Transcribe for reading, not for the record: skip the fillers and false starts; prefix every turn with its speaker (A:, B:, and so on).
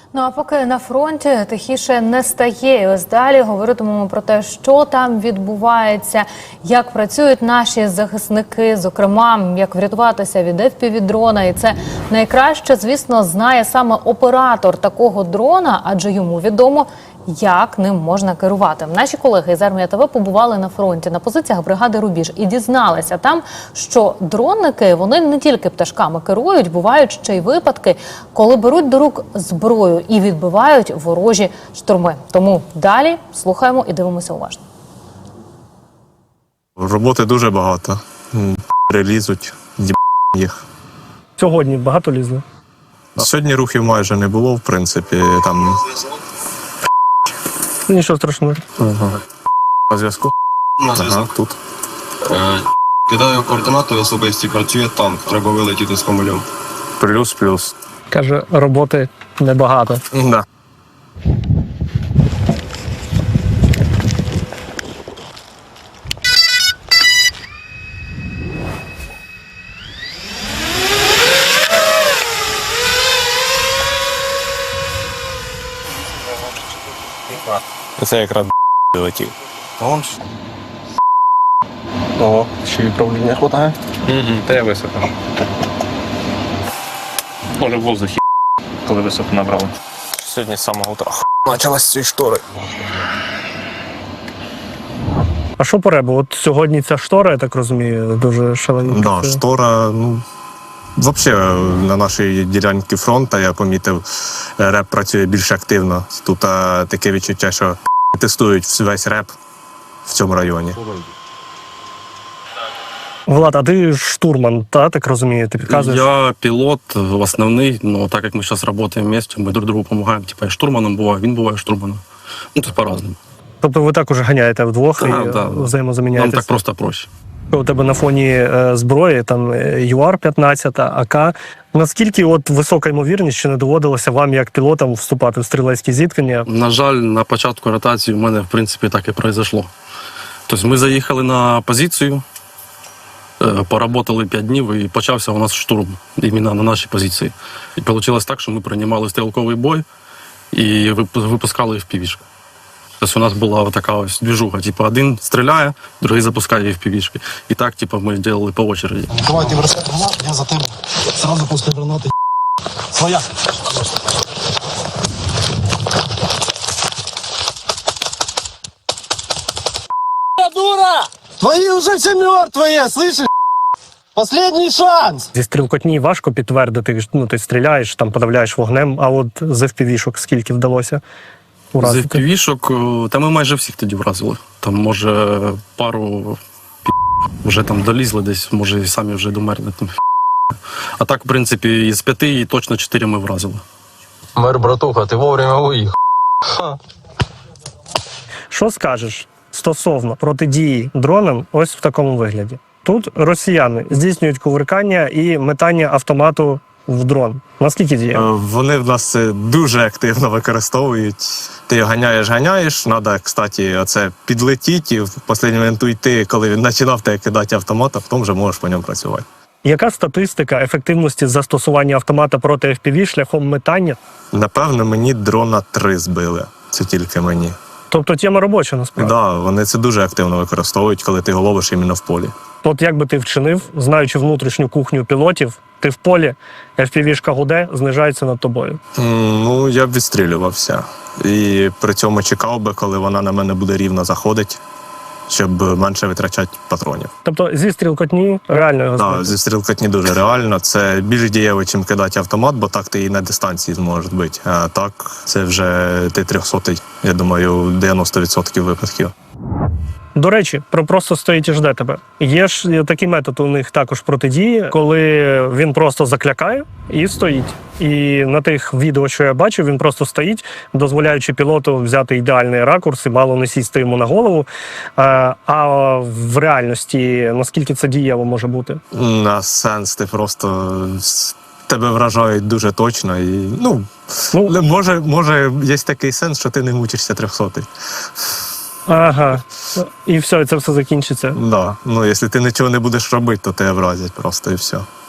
A: Ну а поки на фронті тихіше не стає. І ось далі говоритимемо про те, що там відбувається, як працюють наші захисники, зокрема, як врятуватися від FPV-дрона. І це найкраще, звісно, знає саме оператор такого дрона, адже йому відомо, як ним можна керувати. Наші колеги із Армія ТВ побували на фронті, на позиціях бригади «Рубіж» і дізналися там, що дронники, вони не тільки пташками керують, бувають ще й випадки, коли беруть до рук зброю і відбивають ворожі штурми. Тому далі слухаємо і дивимося уважно.
B: Роботи дуже багато. Лізуть, їх.
C: Сьогодні багато лізли?
B: Сьогодні рухів майже не було, в принципі. Там...
C: Нічого страшного.
B: По зв'язку? Ага, тут.
D: Кидаю координати, особисті працює танк, треба вилетіти з комулем.
B: Плюс-плюс.
C: Каже, роботи небагато.
B: Да. Це якраз летів.
D: Ого, ще й управління хватає.
E: Та я високо. Може в воздухі, коли високо набрали.
B: Сьогодні з самого утра почалась ці штори.
C: А що по ребу? От сьогодні ця штора, я так розумію, дуже шалена.
B: Да, штора, взагалі на нашій ділянці фронту, я помітив, реп працює більш активно. Тут таке відчуття, що тестують весь реп в цьому районі.
C: Влад, а ти штурман, так розумію, ти підказуєш?
F: Я пілот основний, но так як ми зараз працюємо вместе, ми друг другу допомагаємо. Типа я штурманом буваю, він буває штурманом. Ну, це по-разному.
C: Тобто ви також ганяєте вдвох і взаємозаміняєтесь?
F: Нам так просто проще.
C: У тебе на фоні зброї, там ЮАР-15, АК. Наскільки от висока ймовірність, що не доводилося вам, як пілотам, вступати в стрілецькі зіткнення?
F: На жаль, на початку ротації в мене, в принципі, так і произошло. Тобто ми заїхали на позицію, поработали 5 днів і почався у нас штурм іменно на нашій позиції. І вийшло так, що ми приймали стрілковий бой і випускали FPV-шки. Тобто у нас була така ось движуха, типу один стріляє, другий запускає FPV-шки. І так, типу, ми робили по очереді.
G: Давайте бросай гранату, я за тебе. Сразу после гранаты. Своя. Дура! Твои уже все мертвые, слышишь? Последний шанс!
C: Зі стрілкотні важко підтвердити, ти стріляєш, там подавляєш вогнем, а от з FPV-шок скільки вдалося
F: З
C: уразити?
F: FPV-шок, та ми майже всіх тоді вразили. Там, може, пару вже там долізли десь, може, і самі вже домерли. А так, в принципі, із 5 точно 4 ми вразили.
D: Мер, братуха, ти вовремя уїхав.
C: Що скажеш стосовно протидії дронам ось в такому вигляді? Тут росіяни здійснюють кувиркання і метання автомату в дрон. Наскільки діє?
B: Вони в нас це дуже активно використовують. Ти його ганяєш, треба, кстати, оце підлетіти і в останній момент уйти, коли він починав тебе кидати автомат, а потім вже можеш по ньому працювати.
C: Яка статистика ефективності застосування автомата проти FPV шляхом метання?
B: Напевно, мені дрона 3 збили. Це тільки мені.
C: Тобто тема робоча, насправді.
B: Так, вони це дуже активно використовують, коли ти його ловиш іменно в полі.
C: От як би ти вчинив, знаючи внутрішню кухню пілотів, ти в полі, FPV-шка гуде, знижається над тобою.
B: Ну, я б відстрілювався. І при цьому чекав би, коли вона на мене буде рівно заходити, щоб менше витрачати патронів.
C: Тобто зі стрілкотні реально його збити?
B: Так, зі стрілкотні дуже реально. Це більш дієво, чим кидати автомат, бо так ти її на дистанції зможеш збити. А так, це вже ти 300-й, я думаю, 90% випадків.
C: До речі, просто стоїть і жде тебе. Є ж такий метод у них також протидії, коли він просто заклякає і стоїть. І на тих відео, що я бачив, він просто стоїть, дозволяючи пілоту взяти ідеальний ракурс і мало не сісти йому на голову. А в реальності, наскільки це дієво може бути?
B: На сенс ти просто... Тебе вражають дуже точно і, може є такий сенс, що ти не мучишся 300-й.
C: Ага. І все, і це все закінчиться.
B: Да. Якщо ти нічого не будеш робити, то тебе вразять просто і все.